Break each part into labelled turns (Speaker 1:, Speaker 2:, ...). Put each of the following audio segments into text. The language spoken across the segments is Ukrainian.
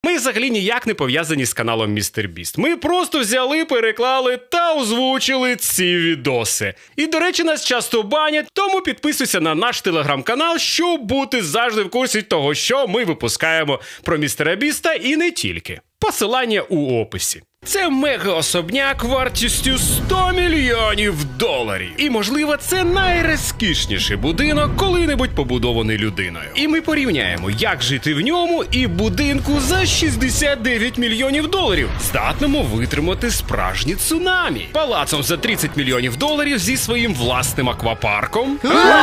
Speaker 1: Ми взагалі ніяк не пов'язані з каналом MrBeast. Ми просто взяли, переклали та озвучили ці відоси. І, до речі, нас часто банять, тому підписуйся на наш телеграм-канал, щоб бути завжди в курсі того, що ми випускаємо про MrBeast і не тільки. Посилання у описі. Це мега-особняк вартістю 100 мільйонів доларів. І, можливо, це найрозкішніший будинок, коли-небудь побудований людиною. І ми порівняємо, як жити в ньому і будинку за 69 мільйонів доларів, здатному витримати справжні цунамі. Палацом за 30 мільйонів доларів зі своїм власним аквапарком.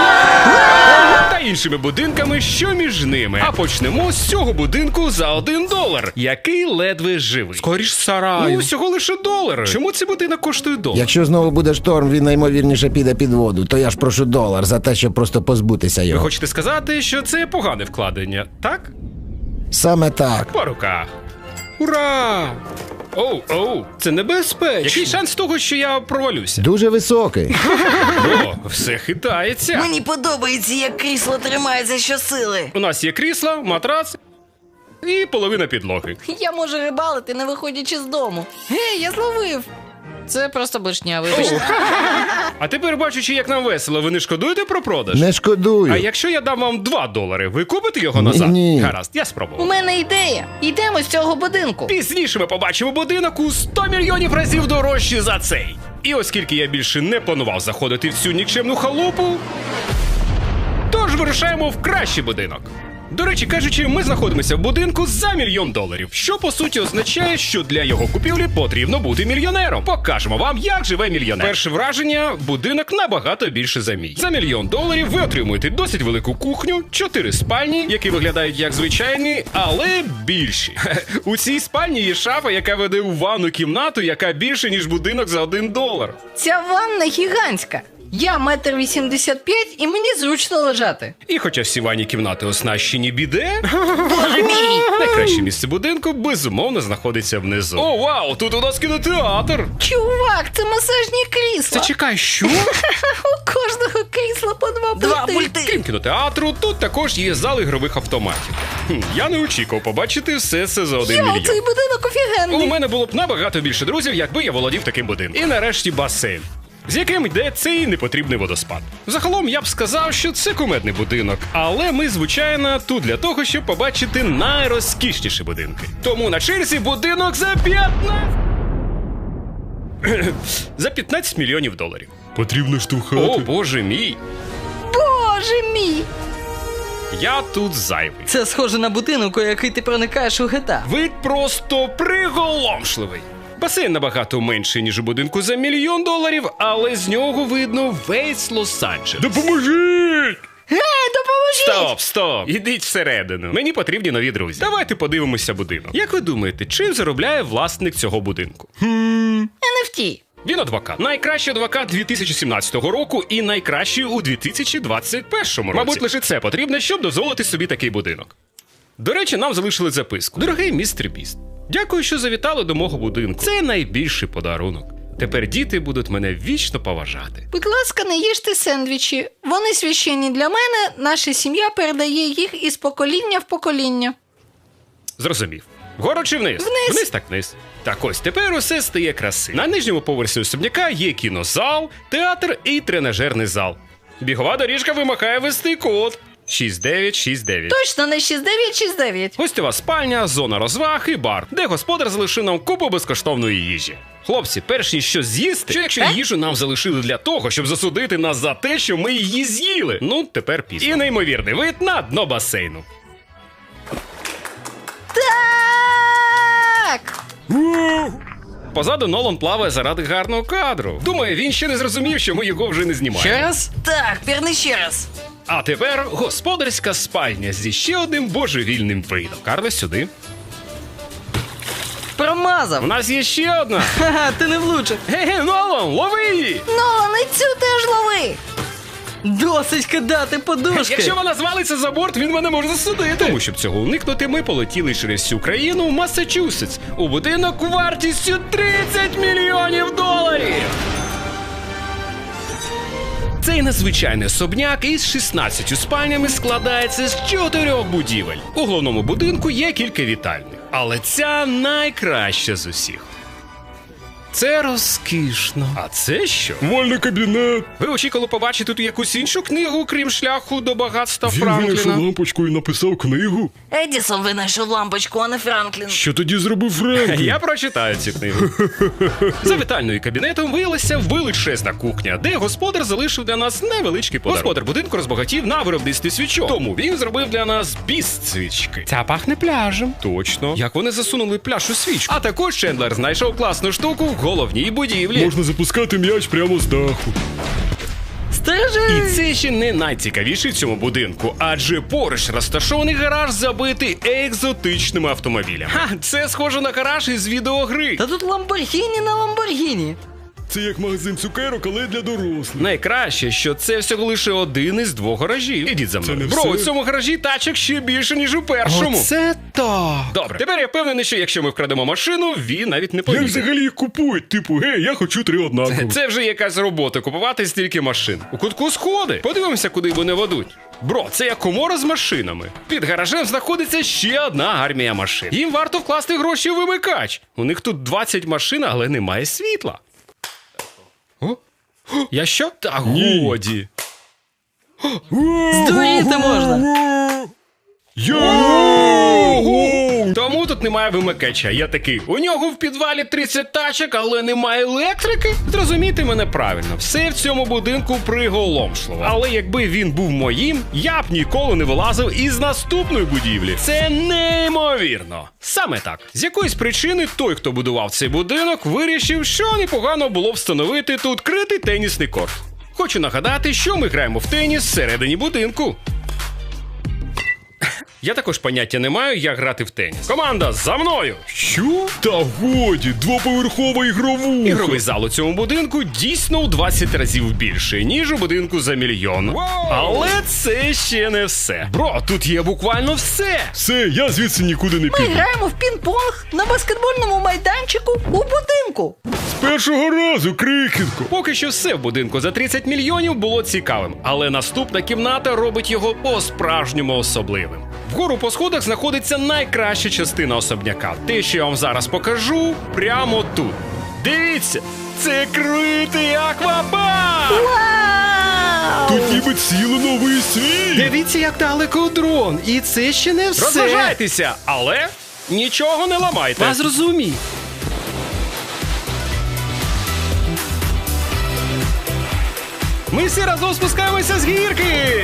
Speaker 1: Та іншими будинками, що між ними. А почнемо з цього будинку за $1, який ледве живий. Скоріш сараю. Ну, всього лише $1. Чому цей будинок коштує $1?
Speaker 2: Якщо знову буде шторм, він наймовірніше піде під воду, то я ж прошу $1 за те, щоб просто позбутися
Speaker 1: Ви
Speaker 2: його.
Speaker 1: хочете сказати, що це погане вкладення, так?
Speaker 2: Саме так.
Speaker 1: По руках. Ура! Оу, це небезпечно. Який шанс того, що я провалюся?
Speaker 2: Дуже високий.
Speaker 1: О, все хитається.
Speaker 3: Мені подобається, як крісло тримається щосили.
Speaker 1: У нас є крісло, матрац і половина підлоги.
Speaker 4: Я можу рибалити, не виходячи з дому. Гей, я зловив. Це просто блишня, вибачте.
Speaker 1: А тепер, бачучи, як нам весело, ви не шкодуєте про продаж?
Speaker 2: Не шкодую.
Speaker 1: А якщо я дам вам $2, ви купите його назад?
Speaker 2: Ні.
Speaker 1: Гаразд, я
Speaker 4: У
Speaker 1: спробував.
Speaker 4: мене ідея. Йдемо з цього будинку.
Speaker 1: Пізніше ми побачимо будинок у 100 мільйонів разів дорожчий за цей. І оскільки я більше не планував заходити в цю нікчемну халупу, тож вирушаємо в кращий будинок. До речі, кажучи, ми знаходимося в будинку за $1 мільйон, що по суті означає, що для його купівлі потрібно бути мільйонером. Покажемо вам, як живе мільйонер. Перше враження – будинок набагато більше за мій. За $1 мільйон ви отримуєте досить велику кухню, 4 спальні, які виглядають як звичайні, але більші. У цій спальні є шафа, яка веде у ванну кімнату, яка більше, ніж будинок за $1.
Speaker 4: Ця ванна гігантська. Я 1,85 м і мені зручно лежати.
Speaker 1: І хоча всі ванні кімнати оснащені біде,
Speaker 3: Боже мій!
Speaker 1: найкраще місце будинку, безумовно, знаходиться внизу. О, вау, тут у нас кінотеатр!
Speaker 4: Чувак, це масажні крісла.
Speaker 1: Це чекай, що?
Speaker 4: У кожного крісла по 2
Speaker 3: Два
Speaker 4: пульти.
Speaker 3: пульти.
Speaker 1: Крім кінотеатру, тут також є зал ігрових автоматів. Я не очікував побачити все це за $1
Speaker 4: Йо,
Speaker 1: мільйон.
Speaker 4: цей будинок
Speaker 1: У
Speaker 4: офігенний.
Speaker 1: мене було б набагато більше друзів, якби я володів таким будинком. І нарешті басейн, з яким йде цей непотрібний водоспад. Загалом я б сказав, що це кумедний будинок, але ми, звичайно, тут для того, щоб побачити найрозкішніші будинки. Тому на черзі будинок за 15 мільйонів доларів. Потрібно штовхати. О, боже мій.
Speaker 4: Боже мій.
Speaker 1: Я тут зайвий.
Speaker 4: Це схоже на будинок, у який ти проникаєш у GTA.
Speaker 1: Вид просто приголомшливий. Басейн набагато менший, ніж у будинку за $1 мільйон, але з нього видно весь Лос-Анджелес. Допоможіть!
Speaker 4: Гей, допоможіть!
Speaker 1: Стоп! Ідіть всередину. Мені потрібні нові друзі. Давайте подивимося будинок. Як ви думаєте, чим заробляє власник цього будинку?
Speaker 4: NFT.
Speaker 1: Він адвокат. Найкращий адвокат 2017 року і найкращий у 2021 році. Мабуть, лише це потрібно, щоб дозволити собі такий будинок. До речі, нам залишили записку. Дорогий MrBeast, дякую, що завітали до мого будинку. Це найбільший подарунок. Тепер діти будуть мене вічно поважати.
Speaker 4: Будь ласка, не їжте сендвічі. Вони священні для мене, наша сім'я передає їх із покоління в покоління.
Speaker 1: Зрозумів. Вгору чи вниз?
Speaker 4: Вниз.
Speaker 1: Вниз так вниз. Так ось, тепер усе стає красивим. На нижньому поверсі особняка є кінозал, театр і тренажерний зал. Бігова доріжка вимагає ввести код 6969.
Speaker 4: Точно не 6969.
Speaker 1: Гостьова спальня, зона розваг і бар, де господар залишив нам купу безкоштовної їжі. Хлопці, перш ніж щось з'їсти, що якщо їжу нам залишили для того, щоб засудити нас за те, що ми її з'їли? Ну, тепер пізно. І неймовірний вид на дно басейну.
Speaker 4: Так!
Speaker 1: Позаду Нолан плаває заради гарного кадру. Думаю, він ще не зрозумів, що ми його вже не знімаємо.
Speaker 4: Ще раз?
Speaker 3: Так, пірни ще раз.
Speaker 1: А тепер господарська спальня зі ще одним божевільним видом. Карле, сюди.
Speaker 4: Промазав.
Speaker 1: У нас є ще одна.
Speaker 4: Ха-ха, ти не влучив.
Speaker 1: Ге-ге, Нолан, лови її!
Speaker 4: Нолан, і цю теж лови. Досить кидати подушки.
Speaker 1: Якщо вона звалиться за борт, він мене може засудити. Тому, щоб цього уникнути, ми полетіли через всю країну в Массачусетс у будинок вартістю $30 мільйонів. Цей надзвичайний особняк із 16 спальнями складається з 4 будівель. У головному будинку є кілька вітальних. Але ця найкраща з усіх. Це розкішно. А це що?
Speaker 5: Вольний кабінет.
Speaker 1: Ви очікували побачити тут якусь іншу книгу, крім шляху до багатства
Speaker 5: Він винайшов
Speaker 1: Франкліна?
Speaker 5: лампочку і написав книгу.
Speaker 3: Едісон винайшов лампочку, а не Франклін.
Speaker 5: Що тоді зробив Френк?
Speaker 1: Я прочитаю цю книгу. За вітальною кабінетом виявилася величезна кухня, де господар залишив для нас невеличкий подарунок. Господар будинку розбагатів на виробництві свічок. Тому він зробив для нас біст-свічки. Ця пахне пляжем. Точно. Як вони засунули пляж у свічку. А також Чендлер знайшов класну штуку в головній будівлі.
Speaker 5: Можна запускати м'яч прямо з даху.
Speaker 3: Стережи!
Speaker 1: І це ще не найцікавіше в цьому будинку, адже поруч розташований гараж, забитий екзотичними автомобілями. Ха, це схоже на гараж із відеогри.
Speaker 3: Та тут Ламборгіні на Ламборгіні.
Speaker 5: Це як магазин цукерок, але для дорослих.
Speaker 1: Найкраще, що це всього лише один із двох гаражів. Ідіть за мною.
Speaker 5: не
Speaker 1: Бро,
Speaker 5: все.
Speaker 1: у цьому гаражі тачок ще більше, ніж у першому.
Speaker 2: Це так.
Speaker 1: Добре, тепер я впевнений, що якщо ми вкрадемо машину, він навіть не
Speaker 5: Як
Speaker 1: помітить.
Speaker 5: взагалі їх купують? Типу, гей, я хочу 3 однакові.
Speaker 1: Це вже якась робота купувати стільки машин. У кутку сходи. Подивимося, куди вони ведуть. Бро, це як комора з машинами. Під гаражем знаходиться ще одна армія машин. Їм варто вкласти гроші у вимикач. У них тут 20 машин, але немає світла. О? Я що? Та годі.
Speaker 3: Здуріти можна.
Speaker 1: Ого! Тому тут немає вимикача. Я такий, у нього в підвалі 30 тачок, але немає електрики? Зрозумійте мене правильно, все в цьому будинку приголомшливо. Але якби він був моїм, я б ніколи не вилазив із наступної будівлі. Це неймовірно. Саме так. З якоїсь причини той, хто будував цей будинок, вирішив, що непогано було встановити тут критий тенісний корт. Хочу нагадати, що ми граємо в теніс всередині будинку. Я також поняття не маю, як грати в теніс. Команда, за мною!
Speaker 5: Що? Та годі, 2-поверхова ігровуха.
Speaker 1: Ігровий зал у цьому будинку дійсно у 20 разів більший, ніж у будинку за мільйон. Але це ще не все. Бро, тут є буквально все.
Speaker 5: Все, я звідси нікуди не
Speaker 4: Ми
Speaker 5: піду.
Speaker 4: граємо в пінг-понг на баскетбольному майданчику у будинку.
Speaker 5: З першого разу, крихітко.
Speaker 1: Поки що все в будинку за 30 мільйонів було цікавим, але наступна кімната робить його по-справжньому особливим. Вгору по сходах знаходиться найкраща частина особняка. Те, що я вам зараз покажу, прямо тут. Дивіться, це критий аквапарк!
Speaker 4: Вау!
Speaker 5: Тут ніби цілий новий світ.
Speaker 2: Дивіться, як далеко дрон. І це ще не все.
Speaker 1: Розважайтеся, але нічого не ламайте.
Speaker 2: Вас зрозумів.
Speaker 1: Ми всі разом спускаємося з гірки!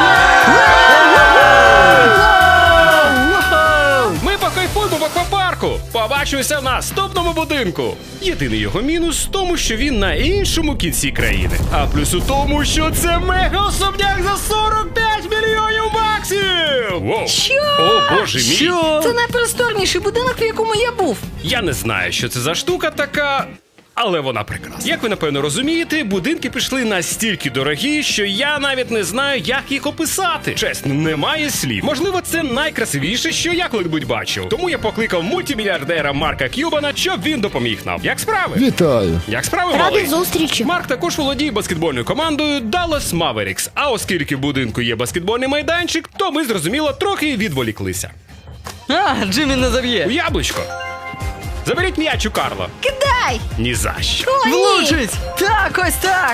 Speaker 1: Ми покайфуємо в аквапарку! Побачимося в наступному будинку! Єдиний його мінус в тому, що він на іншому кінці країни. А плюс у тому, що це мега-особняк за 45 мільйонів баксів! Воу.
Speaker 4: Що?
Speaker 1: О, боже мій!
Speaker 4: Це найпросторніший будинок, в якому я був.
Speaker 1: Я не знаю, що це за штука така, але вона прекрасна. Як ви, напевно, розумієте, будинки пішли настільки дорогі, що я навіть не знаю, як їх описати. Чесно, немає слів. Можливо, це найкрасивіше, що я коли-небудь бачив. Тому я покликав мультимільярдера Марка К'юбана, щоб він допоміг нам. Як справи?
Speaker 2: Вітаю.
Speaker 1: Як справи, малий?
Speaker 6: зустрічі.
Speaker 1: Марк також володіє баскетбольною командою Dallas Mavericks. А оскільки в будинку є баскетбольний майданчик, то ми, зрозуміло, трохи відволіклися.
Speaker 3: А, Джиммі не
Speaker 1: У
Speaker 3: заб'є.
Speaker 1: яблучко. Заберіть м'яч у Карла.
Speaker 4: Кидай!
Speaker 1: Ні за що.
Speaker 4: О, ні!
Speaker 3: Влучить! Так, ось так!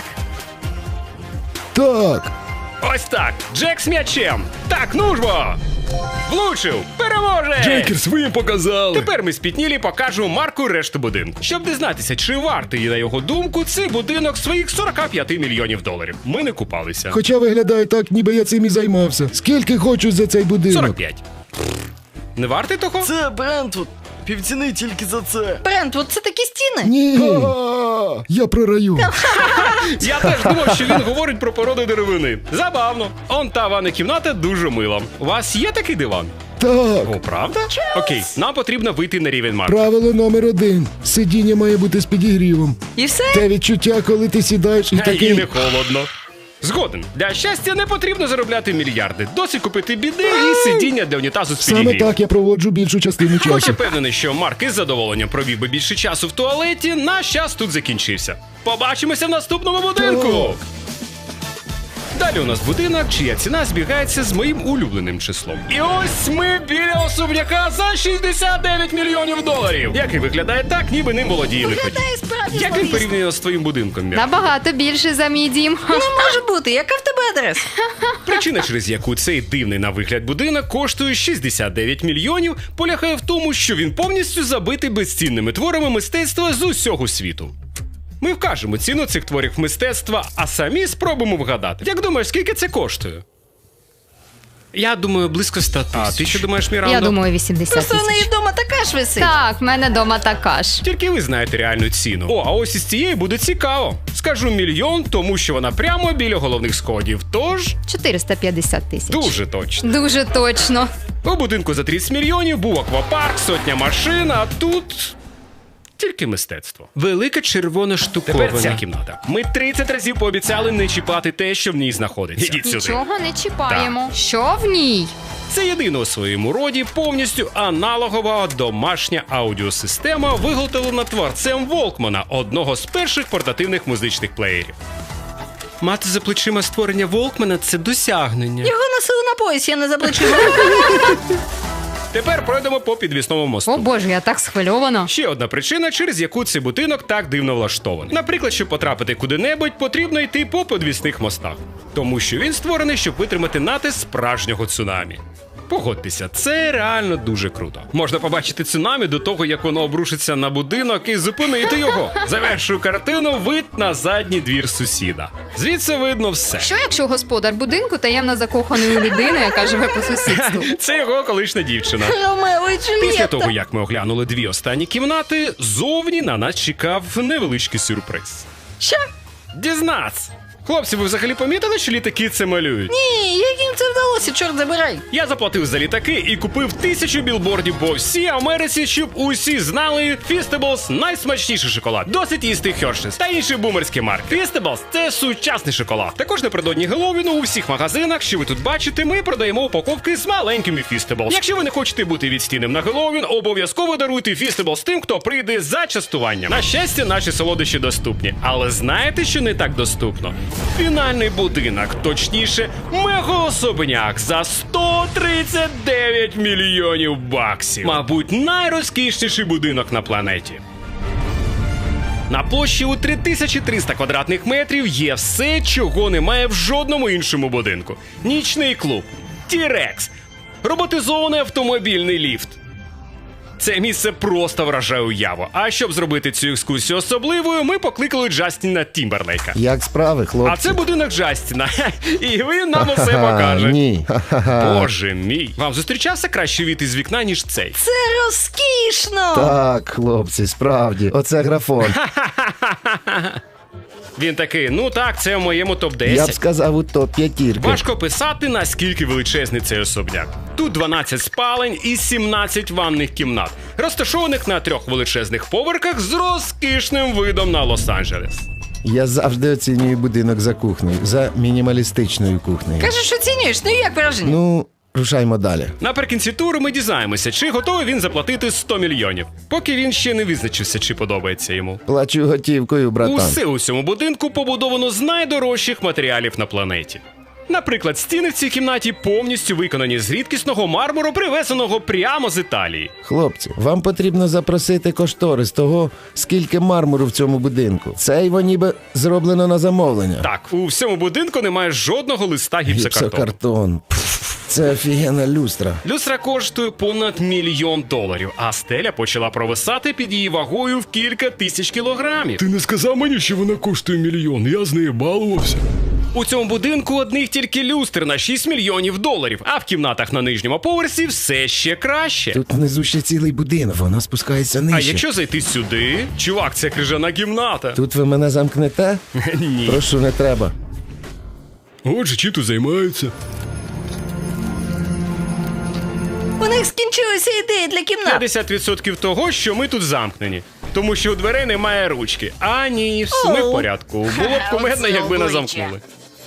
Speaker 2: Так.
Speaker 1: Ось так, Джек з м'ячем. Так, ну ж бо. Влучив, переможе!
Speaker 5: Джейкерс, ви їм показали.
Speaker 1: Тепер ми спітнілі покажемо Марку решту будинку. Щоб дізнатися, чи вартий, на його думку, цей будинок своїх 45 мільйонів доларів. Ми не купалися.
Speaker 2: Хоча виглядає так, ніби я цим і займався. Скільки хочу за цей будинок?
Speaker 1: 45. Не вартий того?
Speaker 3: Це Брентвуд. Півціни тільки за це.
Speaker 4: Брентвуд, це такі стіни?
Speaker 2: Ні. Я програю.
Speaker 1: Я теж думав, що він говорить про породу деревини. Забавно. Он та ванна кімната дуже мила. У вас є такий диван?
Speaker 2: Так.
Speaker 1: О, правда? Окей, нам потрібно вийти на рівень Марка.
Speaker 2: Правило номер 1. Сидіння має бути з підігрівом.
Speaker 4: І все?
Speaker 2: Те відчуття, коли ти сідаєш і
Speaker 1: І
Speaker 2: такий...
Speaker 1: не холодно. Згоден. Для щастя не потрібно заробляти мільярди. Досить купити біди і сидіння для унітазу з
Speaker 2: Саме
Speaker 1: підігрівом.
Speaker 2: так я проводжу більшу частину
Speaker 1: Хоч я
Speaker 2: часу.
Speaker 1: впевнений, що Марк із задоволенням провів би більше часу в туалеті, наш час тут закінчився. Побачимося в наступному будинку! Далі у нас будинок, чия ціна збігається з моїм улюбленим числом. І ось ми біля особняка за 69 мільйонів доларів, який виглядає так, ніби ним володіє лиходій.
Speaker 4: Виглядає справді
Speaker 1: Як він
Speaker 4: зловісно.
Speaker 1: порівняно з твоїм будинком, Мір?
Speaker 6: Набагато більше за мій дім.
Speaker 4: Не може бути, яка в тебе адреса?
Speaker 1: Причина, через яку цей дивний на вигляд будинок коштує 69 мільйонів, полягає в тому, що він повністю забитий безцінними творами мистецтва з усього світу. Ми вкажемо ціну цих творів мистецтва, а самі спробуємо вгадати. Як думаєш, скільки це коштує? Я думаю, близько 100 тисяч. А ти що думаєш, Мірандо?
Speaker 6: Я думаю, 80
Speaker 4: Просто в неї
Speaker 6: тисяч.
Speaker 4: вдома така ж висить.
Speaker 6: Так, в мене дома така ж.
Speaker 1: Тільки ви знаєте реальну ціну. О, а ось із цієї буде цікаво. Скажу мільйон, тому що вона прямо біля головних сходів. Тож,
Speaker 6: 450 тисяч.
Speaker 1: дуже точно.
Speaker 6: Дуже точно.
Speaker 1: У будинку за 30 мільйонів був аквапарк, сотня машин, а тут тільки мистецтво. Велика червона штуковина. Тепер ця кімната. Ми 30 разів пообіцяли не чіпати те, що в ній знаходиться. Ідіть сюди.
Speaker 6: Нічого не чіпаємо. Що в ній?
Speaker 1: Це єдина у своєму роді повністю аналогова домашня аудіосистема, виготовлена творцем Волкмана, одного з перших портативних музичних плеєрів. Мати за плечима створення Волкмана – це досягнення.
Speaker 4: Його носили на пояс, я не заплачу.
Speaker 1: Тепер пройдемо по підвісному мосту.
Speaker 6: О боже, я так схвильована.
Speaker 1: Ще одна причина, через яку цей будинок так дивно влаштований. Наприклад, щоб потрапити куди-небудь, потрібно йти по підвісних мостах. Тому що він створений, щоб витримати натиск справжнього цунамі. Погодьтеся, це реально дуже круто. Можна побачити цунамі до того, як воно обрушиться на будинок і зупинити його. Завершую картину вид на задній двір сусіда. Звідси видно все.
Speaker 6: Що якщо господар будинку таємно закоханий у людину, яка живе по сусідству?
Speaker 1: Це його колишня дівчина.
Speaker 4: Ромео і
Speaker 1: Після
Speaker 4: Джульєтта.
Speaker 1: того, як ми оглянули дві останні кімнати, зовні на нас чекав невеличкий сюрприз.
Speaker 4: Що?
Speaker 1: Дізнаться! Хлопці, ви взагалі помітили, що літаки це малюють?
Speaker 4: Ні, як їм це вдалося, чорт забирай.
Speaker 1: Я заплатив за літаки і купив 1000 білбордів по всій Америці, щоб усі знали Feastables – найсмачніший шоколад. Досить їсти Hershey's та інші бумерські марки. Feastables – це сучасний шоколад. Також напередодні Геловіну у всіх магазинах, що ви тут бачите, ми продаємо упаковки з маленькими Feastables. Якщо ви не хочете бути відстійним на Геловін, обов'язково даруйте Feastables тим, хто прийде за частуванням. На щастя, наші солодощі доступні. Але знаєте, що не так доступно? Фінальний будинок, точніше, мегаособняк за 139 мільйонів баксів. Мабуть, найрозкішніший будинок на планеті. На площі у 3300 квадратних метрів є все, чого немає в жодному іншому будинку. Нічний клуб, T-Rex, роботизований автомобільний ліфт. Це місце просто вражає уяву. А щоб зробити цю екскурсію особливою, ми покликали Джастіна Тімберлейка.
Speaker 2: Як справи, хлопці?
Speaker 1: А це будинок Джастіна. І він нам усе покаже.
Speaker 2: Ні.
Speaker 1: Боже мій. Вам зустрічався кращий від із вікна, ніж цей?
Speaker 4: Це розкішно.
Speaker 2: Так, хлопці, справді. Оце графон.
Speaker 1: Він такий, ну так, це в моєму топ-10.
Speaker 2: Я б сказав, у топ-5.
Speaker 1: Важко писати, наскільки величезний цей особняк. Тут 12 спалень і 17 ванних кімнат, розташованих на 3 величезних поверхах з розкішним видом на Лос-Анджелес.
Speaker 2: Я завжди оцінюю будинок за кухнею, за мінімалістичною кухнею.
Speaker 4: Кажеш, оцінюєш, ну як враження?
Speaker 2: Ну, рушаймо далі.
Speaker 1: Наприкінці туру ми дізнаємося, чи готовий він заплатити 100 мільйонів, поки він ще не визначився, чи подобається йому.
Speaker 2: Плачу готівкою, братан.
Speaker 1: Усе у цьому будинку побудовано з найдорожчих матеріалів на планеті. Наприклад, стіни в цій кімнаті повністю виконані з рідкісного мармуру, привезеного прямо з Італії.
Speaker 2: Хлопці, вам потрібно запросити кошторис того, скільки мармуру в цьому будинку. Це його ніби зроблено на замовлення.
Speaker 1: Так, у всьому будинку немає жодного листа гіпсокартону.
Speaker 2: Гіпсокартон. Пф, це офігенна люстра.
Speaker 1: Люстра коштує понад $1 мільйон, а стеля почала провисати під її вагою в кілька тисяч кілограмів.
Speaker 5: Ти не сказав мені, що вона коштує $1 мільйон, я з нею балувався.
Speaker 1: У цьому будинку одних тільки люстр на $6 мільйонів, а в кімнатах на нижньому поверсі все ще краще.
Speaker 2: Тут внизу ще цілий будинок, вона спускається нижче.
Speaker 1: А якщо зайти сюди, чувак, це крижана кімната.
Speaker 2: Тут ви мене замкнете?
Speaker 1: Ні.
Speaker 2: Прошу, не треба.
Speaker 5: Отже, чим тут займаються?
Speaker 4: У них скінчилися ідеї для кімнат.
Speaker 1: 50% того, що ми тут замкнені. Тому що у дверей немає ручки. А ні, все ми в порядку. Було б кумедно, якби нас замкнули.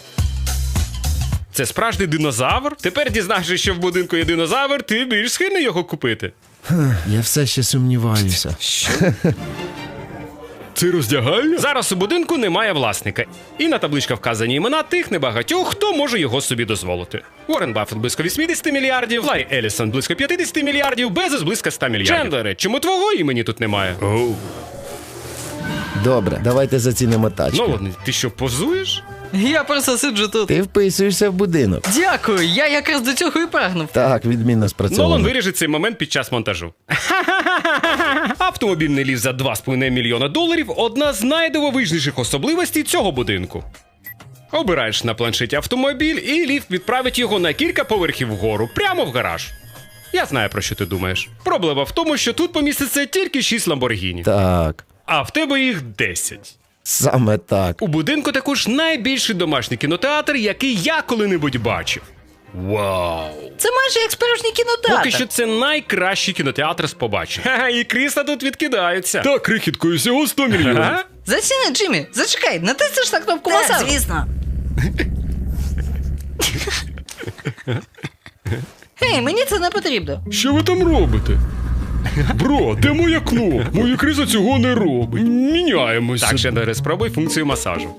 Speaker 1: Це справжній динозавр? Тепер, дізнавшись, що в будинку є динозавр, ти більш схильний його купити.
Speaker 2: Я все ще сумніваюся.
Speaker 5: Це роздягальня?
Speaker 1: Зараз у будинку немає власника, і на табличках вказані імена тих небагатьох, хто може його собі дозволити. Уоррен Баффет близько 80 мільярдів, Ларі Елісон близько 50 мільярдів, Безос близько 100 мільярдів. Чендлере, чому твого імені тут немає?
Speaker 5: Оу.
Speaker 2: Добре, давайте зацінимо тачку.
Speaker 1: Нолан, ти що, позуєш?
Speaker 3: Я просто сиджу тут.
Speaker 2: Ти вписуєшся в будинок.
Speaker 3: Дякую, я якраз до цього і прагнув.
Speaker 2: Так, відмінно
Speaker 1: Нолан
Speaker 2: спрацьовано.
Speaker 1: виріже цей момент під час монтажу. Автомобільний ліфт за 2,5 мільйона доларів – одна з найдивовижніших особливостей цього будинку. Обираєш на планшеті автомобіль, і ліфт відправить його на кілька поверхів вгору, прямо в гараж. Я знаю, про що ти думаєш. Проблема в тому, що тут поміститься тільки 6 Ламборгіні,
Speaker 2: Так,
Speaker 1: а в тебе їх 10.
Speaker 2: саме так.
Speaker 1: У будинку також найбільший домашній кінотеатр, який я коли-небудь бачив. Вау!
Speaker 4: Це майже як справжній кінотеатр.
Speaker 1: Поки що це найкращий кінотеатр з побачень. Ха-ха, і крісла тут відкидаються.
Speaker 5: Так, крихіткою всього 100 мільйонів.
Speaker 1: Ага.
Speaker 4: Заціни, Джиммі, зачекай, натиснеш на кнопку масажу.
Speaker 7: звісно.
Speaker 4: Гей, мені це не потрібно.
Speaker 5: Що ви там робите? Бро, де моя кнопка? Моє крісло цього не робить. Міняємося.
Speaker 1: Так, Чендлере, спробуй функцію масажу.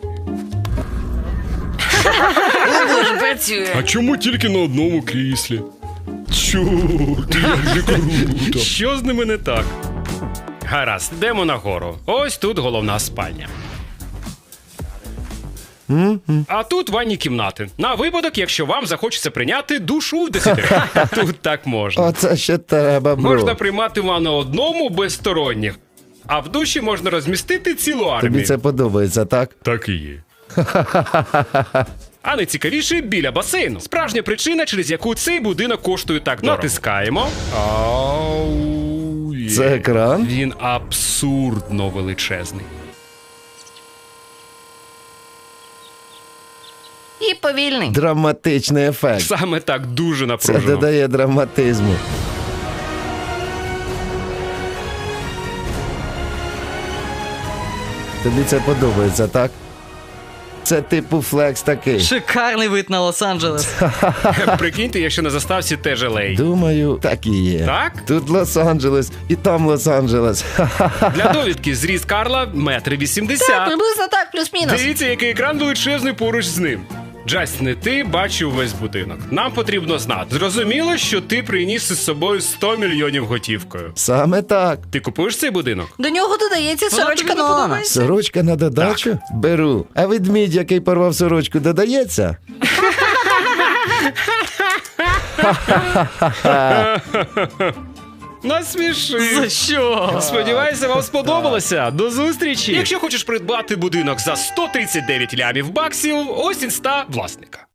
Speaker 7: Дуже працює.
Speaker 5: А чому тільки на одному кріслі? Чорт, як же круто.
Speaker 1: Що з ними не так? Гаразд, йдемо нагору. Ось тут головна спальня. А тут ванні кімнати. На випадок, якщо вам захочеться прийняти душ у 10. Тут так можна.
Speaker 2: Оце ще треба, бро.
Speaker 1: Можна приймати ванну одному без сторонніх. А в душі можна розмістити цілу армію.
Speaker 2: Тобі це подобається, так?
Speaker 5: Так і є.
Speaker 1: А найцікавіше біля басейну. Справжня причина, через яку цей будинок коштує так дорого. Натискаємо. Ау, є.
Speaker 2: Це екран?
Speaker 1: Він абсурдно величезний.
Speaker 4: І повільний.
Speaker 2: Драматичний ефект.
Speaker 1: Саме так дуже
Speaker 2: Це
Speaker 1: напружено.
Speaker 2: додає драматизму. Тобі це подобається, так? Це типу флекс такий.
Speaker 3: Шикарний вид на Лос-Анджелес.
Speaker 1: Прикиньте, якщо на заставці теж LA.
Speaker 2: Думаю, так і є.
Speaker 1: Так?
Speaker 2: Тут Лос-Анджелес і там Лос-Анджелес.
Speaker 1: Для довідки зріст Карла 1,80 м.
Speaker 4: Так, приблизно так, плюс-мінус.
Speaker 1: Дивіться, який екран величезний поруч з ним. Джастіне, ти бачив весь будинок. Нам потрібно знати. Зрозуміло, що ти приніс із собою 100 мільйонів готівкою.
Speaker 2: Саме так.
Speaker 1: Ти купуєш цей будинок?
Speaker 4: До нього додається
Speaker 3: Вона
Speaker 4: сорочка
Speaker 3: тобі не
Speaker 4: Нолана.
Speaker 3: подобається?
Speaker 2: Сорочка на додачу? Беру. А ведмідь, який порвав сорочку, додається?
Speaker 1: Насміши.
Speaker 3: За що?
Speaker 1: Сподіваюся, вам сподобалося. До зустрічі. Якщо хочеш придбати будинок за 139 лямів баксів, ось інста власника.